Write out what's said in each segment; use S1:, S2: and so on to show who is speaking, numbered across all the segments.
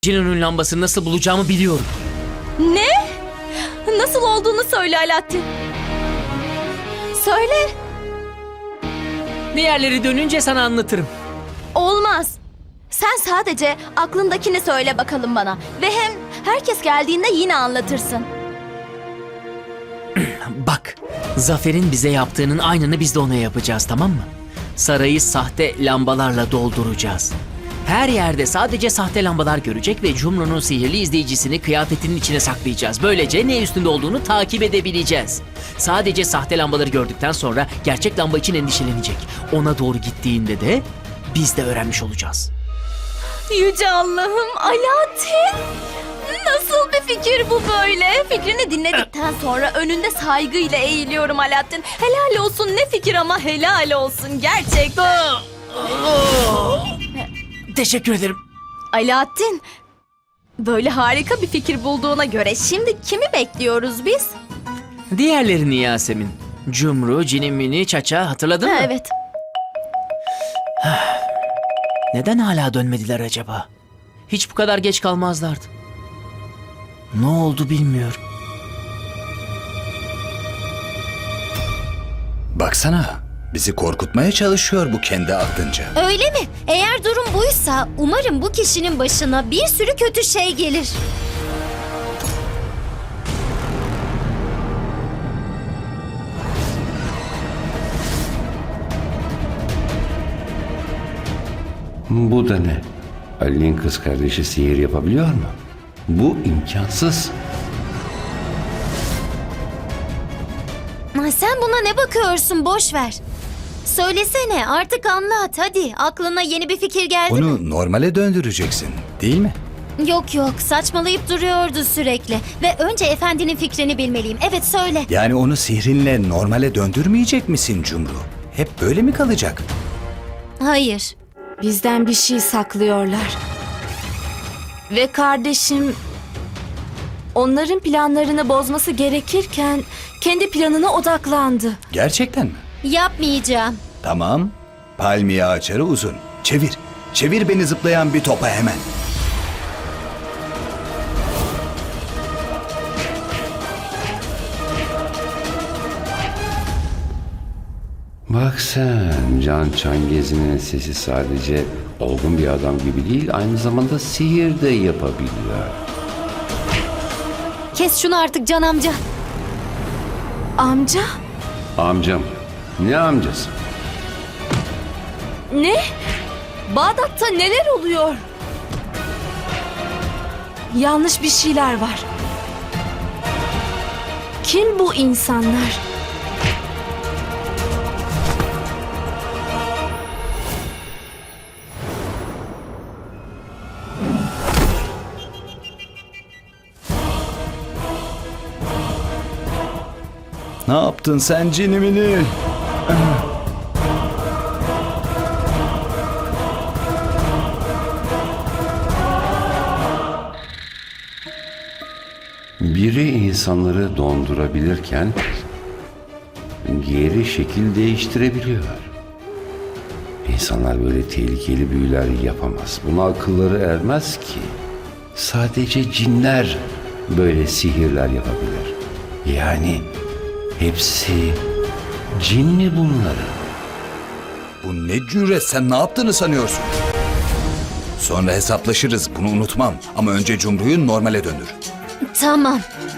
S1: Jin'in lambasını nasıl bulacağımı biliyorum.
S2: Ne? Nasıl olduğunu söyle Alaaddin. Söyle.
S1: Diğerleri dönünce sana anlatırım.
S2: Olmaz. Sen sadece aklındakini söyle bakalım bana. Ve hem herkes geldiğinde yine anlatırsın.
S1: Bak, Zafer'in bize yaptığının aynını biz de ona yapacağız, tamam mı? Sarayı sahte lambalarla dolduracağız. Her yerde sadece sahte lambalar görecek ve Cumru'nun sihirli izleyicisini kıyafetinin içine saklayacağız. Böylece ne üstünde olduğunu takip edebileceğiz. Sadece sahte lambaları gördükten sonra gerçek lamba için endişelenecek. Ona doğru gittiğinde de biz de öğrenmiş olacağız.
S2: Yüce Allah'ım, Alaaddin! Nasıl bir fikir bu böyle? Fikrini dinledikten sonra önünde saygıyla eğiliyorum Alaaddin. Helal olsun, ne fikir ama helal olsun gerçekten.
S1: Teşekkür ederim.
S2: Alaaddin, böyle harika bir fikir bulduğuna göre şimdi kimi bekliyoruz biz?
S1: Diğerlerini Yasemin. Cumru, Cinimini, Çaça hatırladın mı?
S2: Evet.
S1: Neden hala dönmediler acaba? Hiç bu kadar geç kalmazlardı. Ne oldu bilmiyorum.
S3: Baksana, bizi korkutmaya çalışıyor bu kendi aklınca.
S4: Öyle mi? Eğer durum buysa umarım bu kişinin başına bir sürü kötü şey gelir.
S5: Bu da ne? Ali'nin kız kardeşi sihir yapabiliyor mu? Bu imkansız.
S4: Sen buna ne bakıyorsun? Boş ver. Söylesene, artık anlat hadi. Aklına yeni bir fikir geldi mi?
S3: Onu normale döndüreceksin, değil mi?
S4: Yok, saçmalayıp duruyordu sürekli. Ve önce efendinin fikrini bilmeliyim. Evet, söyle.
S3: Yani onu sihrinle normale döndürmeyecek misin Cumru? Hep böyle mi kalacak?
S4: Hayır.
S6: Bizden bir şey saklıyorlar. Ve kardeşim onların planlarını bozması gerekirken kendi planına odaklandı.
S3: Gerçekten mi?
S4: Yapmayacağım.
S3: Tamam. Palmiye açarı uzun. Çevir. Çevir beni zıplayan bir topa hemen.
S5: Bak sen, Can Çangezi'nin sesi sadece olgun bir adam gibi değil, aynı zamanda sihir de yapabiliyor.
S4: Kes şunu artık Can amca.
S6: Amca?
S5: Amcam, ne amcası?
S6: Ne? Bağdat'ta neler oluyor? Yanlış bir şeyler var. Kim bu insanlar?
S3: Ne yaptın sen Cinimini?
S5: Biri insanları dondurabilirken diğeri şekil değiştirebiliyor. İnsanlar böyle tehlikeli büyüler yapamaz. Buna akılları ermez ki. Sadece cinler böyle sihirler yapabilir. Yani hepsi cin mi bunları?
S3: Bu ne cüret, sen ne yaptığını sanıyorsun? Sonra hesaplaşırız, bunu unutmam. Ama önce Cumru'yu normale döndür.
S4: Tamam.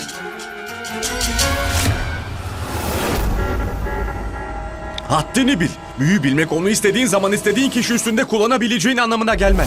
S7: Haddini bil. Büyü bilmek onu istediğin zaman istediğin kişi üstünde kullanabileceğin anlamına gelmez.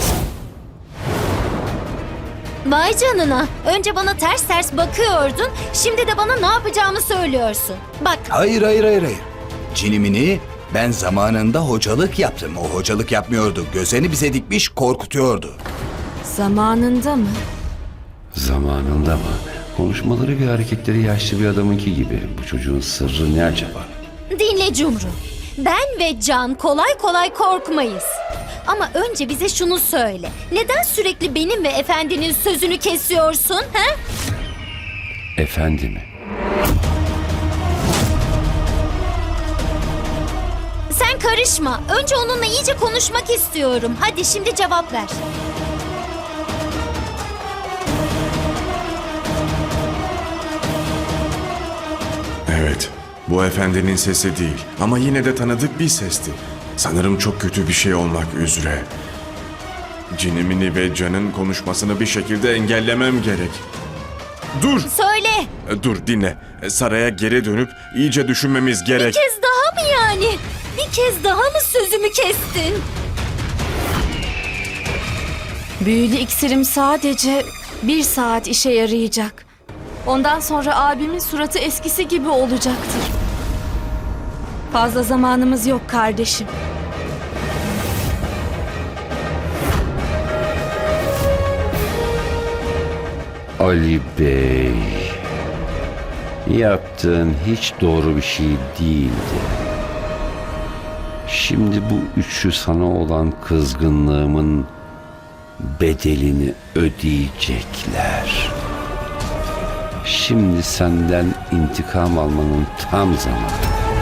S4: Vay canına. Önce bana ters ters bakıyordun. Şimdi de bana ne yapacağımı söylüyorsun. Bak,
S3: Hayır. Cinimini ben zamanında hocalık yaptım. O hocalık yapmıyordu. Gözlerini bize dikmiş korkutuyordu.
S6: Zamanında mı?
S5: Zamanında mı? Konuşmaları ve hareketleri yaşlı bir adamınki gibi. Bu çocuğun sırrı ne acaba?
S4: dinle Cumru. Ben ve Can kolay kolay korkmayız. Ama önce bize şunu söyle. Neden sürekli benim ve efendinin sözünü kesiyorsun? He?
S5: Efendi mi?
S4: Sen karışma. Önce onunla iyice konuşmak istiyorum. Hadi şimdi cevap ver.
S7: Bu efendinin sesi değil ama yine de tanıdık bir sesti. Sanırım çok kötü bir şey olmak üzere. Cinimini ve Can'ın konuşmasını bir şekilde engellemem gerek. Dur!
S4: Söyle.
S7: Dur dinle. Saraya geri dönüp iyice düşünmemiz
S4: Bir
S7: gerek.
S4: kez daha mı yani? Bir kez daha mı sözümü kestin?
S6: Büyülü iksirim sadece 1 saat işe yarayacak. Ondan sonra abimin suratı eskisi gibi olacaktır. Fazla zamanımız yok kardeşim.
S5: Ali Bey, yaptığın hiç doğru bir şey değildi. Şimdi bu üçü sana olan kızgınlığımın bedelini ödeyecekler. Şimdi senden intikam almanın tam zamanı.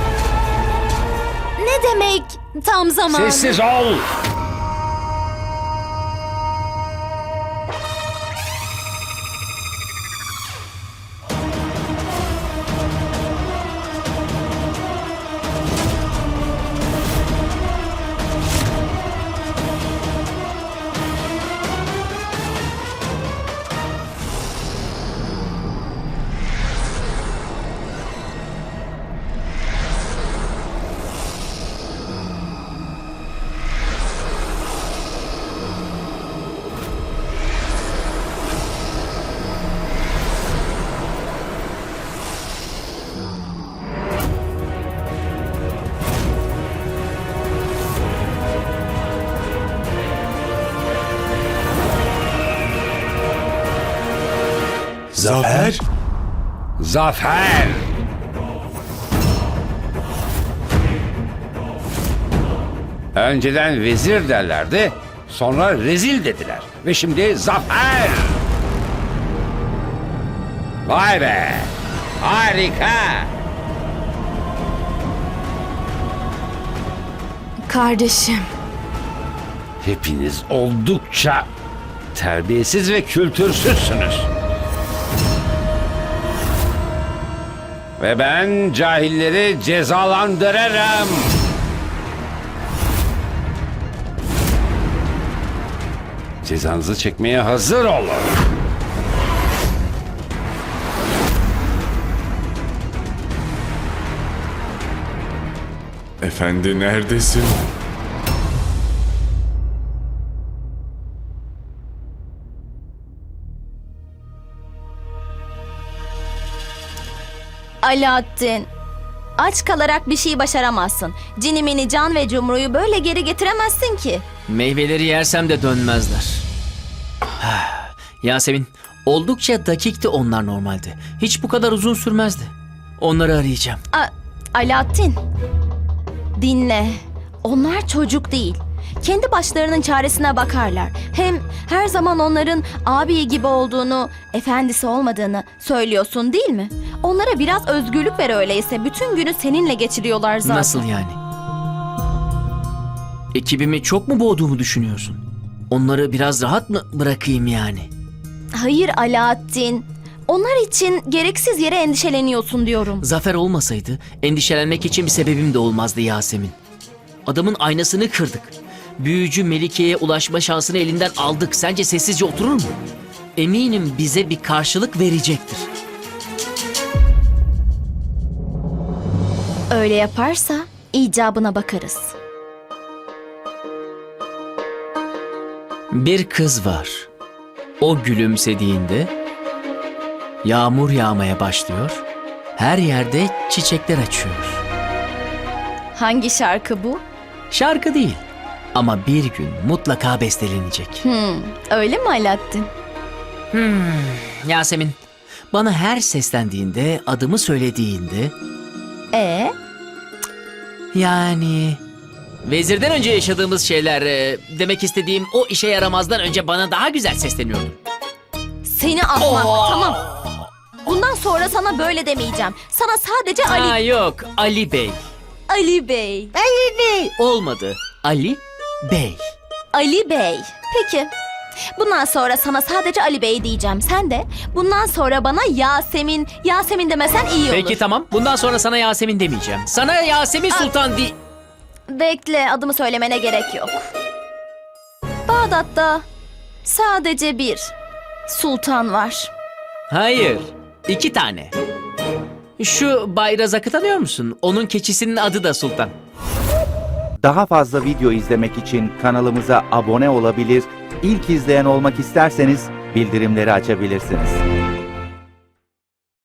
S4: Ne demek tam zamanı?
S5: Sessiz ol!
S7: Zafer?
S5: Zafer! Önceden vezir derlerdi, sonra rezil dediler. Ve şimdi zafer! Vay be! Harika!
S6: Kardeşim,
S5: Hepiniz oldukça terbiyesiz ve kültürsüzsünüz. Ve ben cahilleri cezalandırırım. Cezanızı çekmeye hazır olun.
S7: Efendi neredesin?
S2: Alaaddin, aç kalarak bir şey başaramazsın. Cinimini, Can ve Cumru'yu böyle geri getiremezsin ki.
S1: Meyveleri yersem de dönmezler. Yasemin, oldukça dakikti onlar normalde. Hiç bu kadar uzun sürmezdi. Onları arayacağım.
S2: Alaaddin, dinle. Onlar çocuk değil. Kendi başlarının çaresine bakarlar. Hem her zaman onların abi gibi olduğunu, efendisi olmadığını söylüyorsun değil mi? Onlara biraz özgürlük ver öyleyse. Bütün günü seninle geçiriyorlar zaten.
S1: Nasıl yani? Ekibimi çok mu boğduğumu düşünüyorsun? Onları biraz rahat mı bırakayım yani?
S2: Hayır Alaaddin. Onlar için gereksiz yere endişeleniyorsun diyorum.
S1: Zafer olmasaydı endişelenmek için bir sebebim de olmazdı Yasemin. Adamın aynasını kırdık. Büyücü Melike'ye ulaşma şansını elinden aldık. Sence sessizce oturur mu? Eminim bize bir karşılık verecektir.
S2: Öyle yaparsa icabına bakarız.
S1: Bir kız var. O gülümsediğinde yağmur yağmaya başlıyor. Her yerde çiçekler açıyor.
S2: Hangi şarkı bu?
S1: Şarkı değil ama bir gün mutlaka bestelenecek.
S2: Öyle mi Alaaddin?
S1: Yasemin, bana her seslendiğinde, adımı söylediğinde yani vezirden önce yaşadığımız şeyler, demek istediğim o işe yaramazdan önce bana daha güzel sesleniyordu.
S2: Seni ahmak. Tamam. Bundan sonra sana böyle demeyeceğim. Sana sadece Ali...
S1: Aa, yok, Ali Bey.
S2: Ali Bey.
S1: Olmadı. Ali Bey.
S2: Ali Bey. Peki. Bundan sonra sana sadece Ali Bey diyeceğim. Sen de bundan sonra bana Yasemin, Yasemin demesen iyi olur.
S1: Peki tamam. Bundan sonra sana Yasemin demeyeceğim. Sana Yasemin Sultan
S2: Bekle, adımı söylemene gerek yok. Bağdat'ta sadece bir sultan var.
S1: Hayır. 2 tane. Şu Bayrazak'ı tanıyor musun? Onun keçisinin adı da Sultan.
S8: Daha fazla video izlemek için kanalımıza abone olabilir, ilk izleyen olmak isterseniz bildirimleri açabilirsiniz.